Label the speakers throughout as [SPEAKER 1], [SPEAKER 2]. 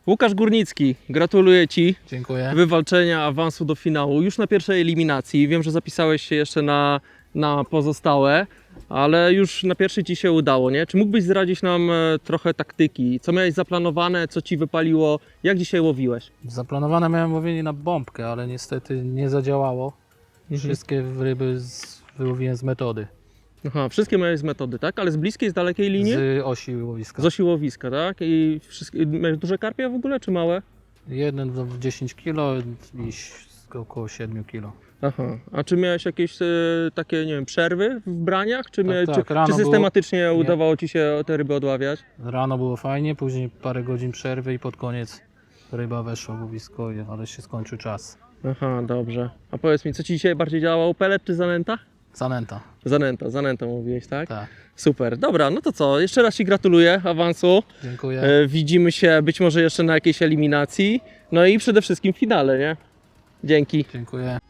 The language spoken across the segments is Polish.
[SPEAKER 1] Łukasz Górnicki, gratuluję Ci
[SPEAKER 2] Dziękuję.
[SPEAKER 1] wywalczenia awansu do finału już na pierwszej eliminacji. Wiem, że zapisałeś się jeszcze na pozostałe, ale już na pierwszej Ci się udało, nie? Czy mógłbyś zdradzić nam trochę taktyki? Co miałeś zaplanowane, co Ci wypaliło? Jak dzisiaj łowiłeś?
[SPEAKER 2] Zaplanowane miałem łowienie na bombkę, ale niestety nie zadziałało. Wszystkie ryby wyłowiłem z metody.
[SPEAKER 1] Aha, wszystkie miałeś z metody, tak? Ale z bliskiej, z dalekiej linii?
[SPEAKER 2] Z osi łowiska.
[SPEAKER 1] Z osi łowiska, tak? I miałeś duże karpie w ogóle, czy małe?
[SPEAKER 2] Jeden w 10 kg i około 7 kg.
[SPEAKER 1] Aha, a czy miałeś jakieś takie, nie wiem, przerwy w braniach? Czy,
[SPEAKER 2] Tak, rano
[SPEAKER 1] czy systematycznie
[SPEAKER 2] było...
[SPEAKER 1] udawało Ci się te ryby odławiać?
[SPEAKER 2] Rano było fajnie, później parę godzin przerwy i pod koniec ryba weszła w łowisko, ale się skończył czas.
[SPEAKER 1] Aha, dobrze. A powiedz mi, co Ci dzisiaj bardziej działało, pelet czy zanęta?
[SPEAKER 2] Zanęta.
[SPEAKER 1] Zanęta mówiłeś, tak?
[SPEAKER 2] Tak.
[SPEAKER 1] Super, dobra, no to co, jeszcze raz Ci gratuluję awansu.
[SPEAKER 2] Dziękuję.
[SPEAKER 1] Widzimy się być może jeszcze na jakiejś eliminacji, no i przede wszystkim w finale, nie? Dzięki.
[SPEAKER 2] Dziękuję.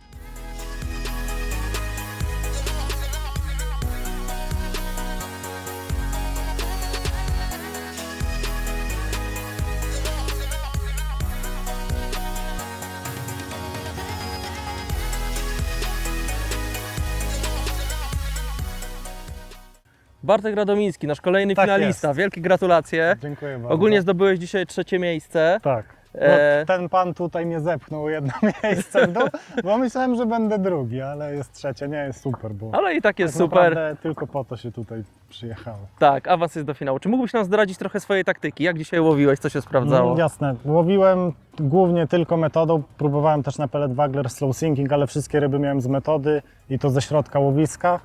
[SPEAKER 1] Bartek Radomiński, nasz kolejny
[SPEAKER 3] Tak
[SPEAKER 1] finalista.
[SPEAKER 3] jest.
[SPEAKER 1] Wielkie gratulacje.
[SPEAKER 3] Dziękuję bardzo.
[SPEAKER 1] Ogólnie zdobyłeś dzisiaj 3. miejsce.
[SPEAKER 3] Tak. No,
[SPEAKER 1] E,
[SPEAKER 3] ten pan tutaj mnie zepchnął jedno miejsce w dół, bo myślałem, że będę drugi, ale jest trzecie, nie jest super, bo
[SPEAKER 1] Ale i tak jest
[SPEAKER 3] tak
[SPEAKER 1] super.
[SPEAKER 3] naprawdę tylko po to się tutaj przyjechało.
[SPEAKER 1] Tak, awans jest do finału. Czy mógłbyś nam zdradzić trochę swojej taktyki? Jak dzisiaj łowiłeś, co się sprawdzało?
[SPEAKER 3] Jasne, łowiłem głównie tylko metodą, próbowałem też na pellet waggler slow sinking, ale wszystkie ryby miałem z metody i to ze środka łowiska.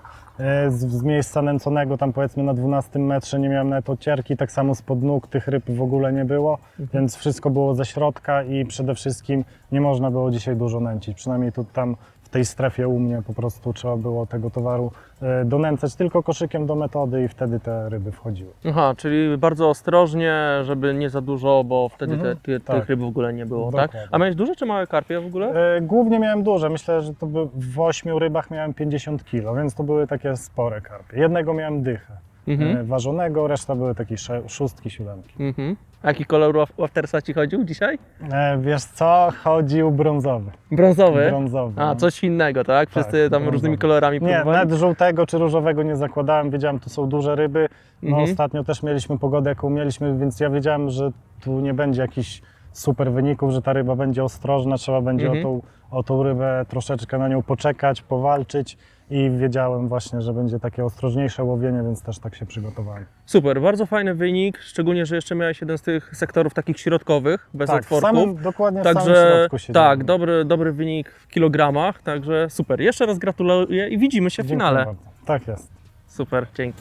[SPEAKER 3] Z miejsca nęconego, tam powiedzmy na 12 metrze nie miałem nawet odcierki, tak samo spod nóg tych ryb w ogóle nie było, więc wszystko było ze środka i przede wszystkim nie można było dzisiaj dużo nęcić, przynajmniej tu tam w tej strefie u mnie po prostu trzeba było tego towaru donęcać tylko koszykiem do metody i wtedy te ryby wchodziły.
[SPEAKER 1] Aha, czyli bardzo ostrożnie, żeby nie za dużo, bo wtedy tych
[SPEAKER 3] tak.
[SPEAKER 1] ryb w ogóle nie było, tak?
[SPEAKER 3] Dokładnie.
[SPEAKER 1] A miałeś duże czy małe karpie w ogóle?
[SPEAKER 3] Głównie miałem duże, myślę, że to by w 8 rybach miałem 50 kg, więc to były takie spore karpie. Jednego miałem dychę ważonego, reszta były takie 6, 7.
[SPEAKER 1] A jaki kolor waftersa Ci chodził dzisiaj?
[SPEAKER 3] Wiesz co? Chodził brązowy.
[SPEAKER 1] Brązowy?
[SPEAKER 3] Brązowy.
[SPEAKER 1] A,
[SPEAKER 3] no.
[SPEAKER 1] coś innego, tak? Wszyscy tam
[SPEAKER 3] brązowy.
[SPEAKER 1] różnymi kolorami
[SPEAKER 3] Nie,
[SPEAKER 1] próbowali?
[SPEAKER 3] nawet żółtego czy różowego nie zakładałem, wiedziałem, tu są duże ryby. No
[SPEAKER 1] Mhm.
[SPEAKER 3] ostatnio też mieliśmy pogodę, jaką mieliśmy, więc ja wiedziałem, że tu nie będzie jakichś super wyników, że ta ryba będzie ostrożna, trzeba będzie o tą rybę troszeczkę na nią poczekać, powalczyć i wiedziałem właśnie, że będzie takie ostrożniejsze łowienie, więc też tak się przygotowałem.
[SPEAKER 1] Super, bardzo fajny wynik, szczególnie, że jeszcze miałeś jeden z tych sektorów takich środkowych, bez
[SPEAKER 3] Tak, w
[SPEAKER 1] otworków.
[SPEAKER 3] samym, dokładnie w samym
[SPEAKER 1] Także
[SPEAKER 3] środku się
[SPEAKER 1] tak,
[SPEAKER 3] dzieje.
[SPEAKER 1] dobry wynik w kilogramach, także super. Jeszcze raz gratuluję i widzimy się w
[SPEAKER 3] Dziękuję
[SPEAKER 1] finale.
[SPEAKER 3] bardzo. Tak jest.
[SPEAKER 1] Super, dzięki.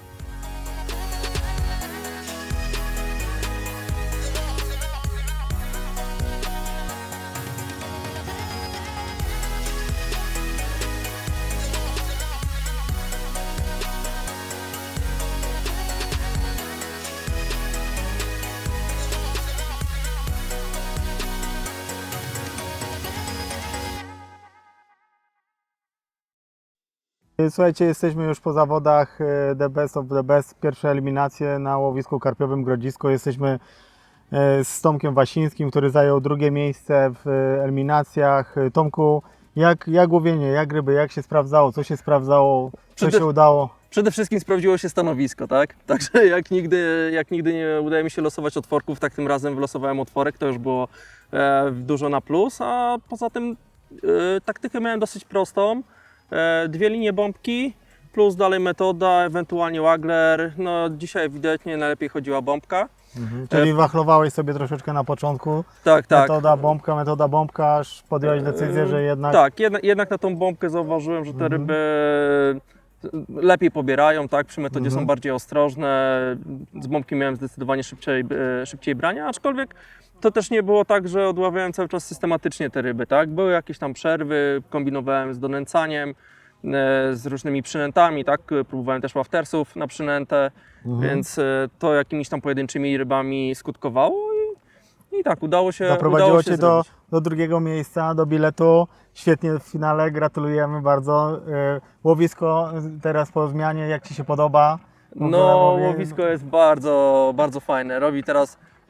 [SPEAKER 4] Słuchajcie, jesteśmy już po zawodach The Best of the Best, pierwsze eliminacje na łowisku karpiowym Grodzisko. Jesteśmy z Tomkiem Wasińskim, który zajął drugie miejsce w eliminacjach. Tomku, jak łowienie, jak ryby, jak się sprawdzało, co się sprawdzało, co się udało?
[SPEAKER 1] Przede wszystkim sprawdziło się stanowisko, tak? Także jak nigdy nie udaje mi się losować otworków, tak tym razem wylosowałem otworek, to już było dużo na plus, a poza tym taktykę miałem dosyć prostą. 2 linie bombki, plus dalej metoda, ewentualnie waggler. No dzisiaj ewidentnie najlepiej chodziła bombka.
[SPEAKER 4] Czyli wachlowałeś sobie troszeczkę na początku,
[SPEAKER 1] Tak, tak.
[SPEAKER 4] metoda bombka, aż podjąłeś decyzję, że jednak...
[SPEAKER 1] Tak, jednak na tą bombkę zauważyłem, że te ryby lepiej pobierają, tak? Przy metodzie są bardziej ostrożne. Z bombki miałem zdecydowanie szybciej brania, aczkolwiek to też nie było tak, że odławiałem cały czas systematycznie te ryby, tak? Były jakieś tam przerwy, kombinowałem z donęcaniem, z różnymi przynętami, tak? Próbowałem też waftersów na przynętę, więc to jakimiś tam pojedynczymi rybami skutkowało i tak udało się
[SPEAKER 4] Zaprowadziło Cię
[SPEAKER 1] zrobić.
[SPEAKER 4] do drugiego miejsca, do biletu. Świetnie w finale, gratulujemy bardzo. Łowisko teraz po zmianie, jak Ci się podoba?
[SPEAKER 1] No, łowisko jest bardzo, bardzo fajne. Robi teraz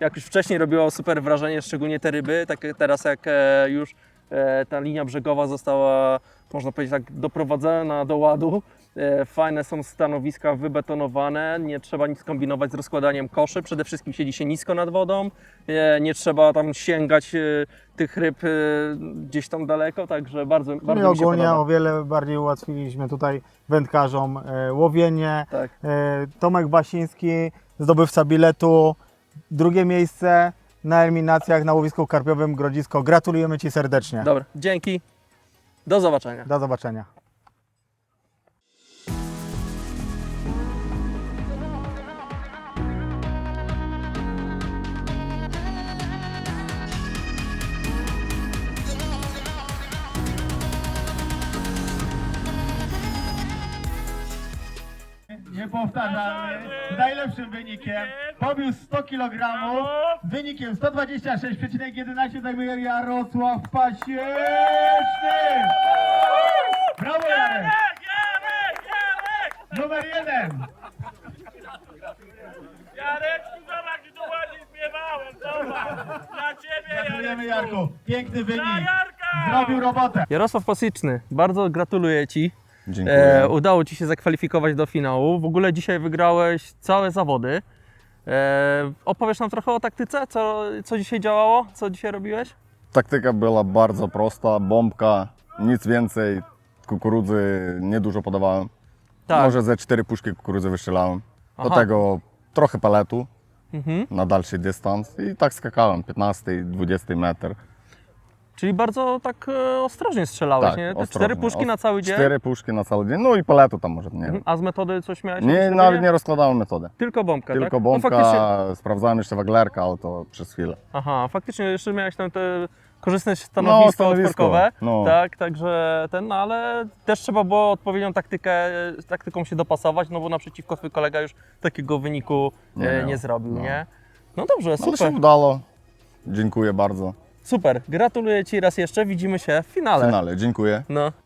[SPEAKER 1] jak już wcześniej robiło super wrażenie, szczególnie te ryby, tak teraz jak już ta linia brzegowa została, można powiedzieć tak, doprowadzona do ładu. Fajne są stanowiska wybetonowane, nie trzeba nic kombinować z rozkładaniem koszy, przede wszystkim siedzi się nisko nad wodą, nie trzeba tam sięgać tych ryb gdzieś tam daleko, także bardzo,
[SPEAKER 4] No i
[SPEAKER 1] bardzo mi się
[SPEAKER 4] ogólnie
[SPEAKER 1] podoba.
[SPEAKER 4] o wiele bardziej ułatwiliśmy tutaj wędkarzom łowienie.
[SPEAKER 1] Tak.
[SPEAKER 4] Tomek Basiński, zdobywca biletu, drugie miejsce na eliminacjach na łowisku karpiowym Grodzisko. Gratulujemy Ci serdecznie.
[SPEAKER 1] Dobra, dzięki, do zobaczenia.
[SPEAKER 4] Do zobaczenia. Niepowtarzalny, z najlepszym wynikiem, pobił 100 kg, z wynikiem 126,11 zajmuje Jarosław Pasieczny! Brawo Jarek! Numer 1!
[SPEAKER 5] Jareczku, zobacz, jak tu ładnie śpiewałem, zobacz! Dla ciebie,
[SPEAKER 4] Gratulujemy
[SPEAKER 5] Jareczku!
[SPEAKER 4] Jarku, piękny wynik,
[SPEAKER 5] Dla Jarka!
[SPEAKER 4] zrobił robotę.
[SPEAKER 1] Jarosław Pasyczny, bardzo gratuluję Ci.
[SPEAKER 6] Dziękuję.
[SPEAKER 1] Udało Ci się zakwalifikować do finału. W ogóle dzisiaj wygrałeś całe zawody. Opowiesz nam trochę o taktyce, co dzisiaj działało, co dzisiaj robiłeś?
[SPEAKER 6] Taktyka była bardzo prosta, bombka, nic więcej, kukurydzy niedużo podawałem.
[SPEAKER 1] Tak.
[SPEAKER 6] Może ze 4 puszki kukurydzy wystrzelałem. Do
[SPEAKER 1] Aha.
[SPEAKER 6] tego trochę peletu
[SPEAKER 1] Mhm.
[SPEAKER 6] na dalszy dystans i tak skakałem, 15-20 metr.
[SPEAKER 1] Czyli bardzo tak ostrożnie strzelałeś,
[SPEAKER 6] Tak,
[SPEAKER 1] nie? Te
[SPEAKER 6] ostrożnie.
[SPEAKER 1] 4 puszki na cały dzień?
[SPEAKER 6] 4 puszki na cały dzień, no i peletu tam może, nie wiem.
[SPEAKER 1] Mhm. A z metody coś miałeś?
[SPEAKER 6] Nie,
[SPEAKER 1] jakieś
[SPEAKER 6] nawet
[SPEAKER 1] robienie?
[SPEAKER 6] nie rozkładałem metody.
[SPEAKER 1] Tylko bombkę,
[SPEAKER 6] Tylko
[SPEAKER 1] tak?
[SPEAKER 6] bombka,
[SPEAKER 1] No, faktycznie...
[SPEAKER 6] sprawdzałem jeszcze waglerka, ale to przez chwilę.
[SPEAKER 1] Aha, faktycznie jeszcze miałeś tam te korzystne stanowisko
[SPEAKER 6] stanowisko,
[SPEAKER 1] odporkowe,
[SPEAKER 6] no.
[SPEAKER 1] tak, także no ale też trzeba było odpowiednią taktyką się dopasować, no bo naprzeciwko twój kolega już takiego wyniku
[SPEAKER 6] Nie miał,
[SPEAKER 1] nie zrobił,
[SPEAKER 6] no.
[SPEAKER 1] nie? No dobrze,
[SPEAKER 6] Ale
[SPEAKER 1] super,
[SPEAKER 6] się udało. Dziękuję bardzo.
[SPEAKER 1] super, gratuluję Ci raz jeszcze, widzimy się w
[SPEAKER 6] W
[SPEAKER 1] finale.
[SPEAKER 6] finale, dziękuję.
[SPEAKER 1] No.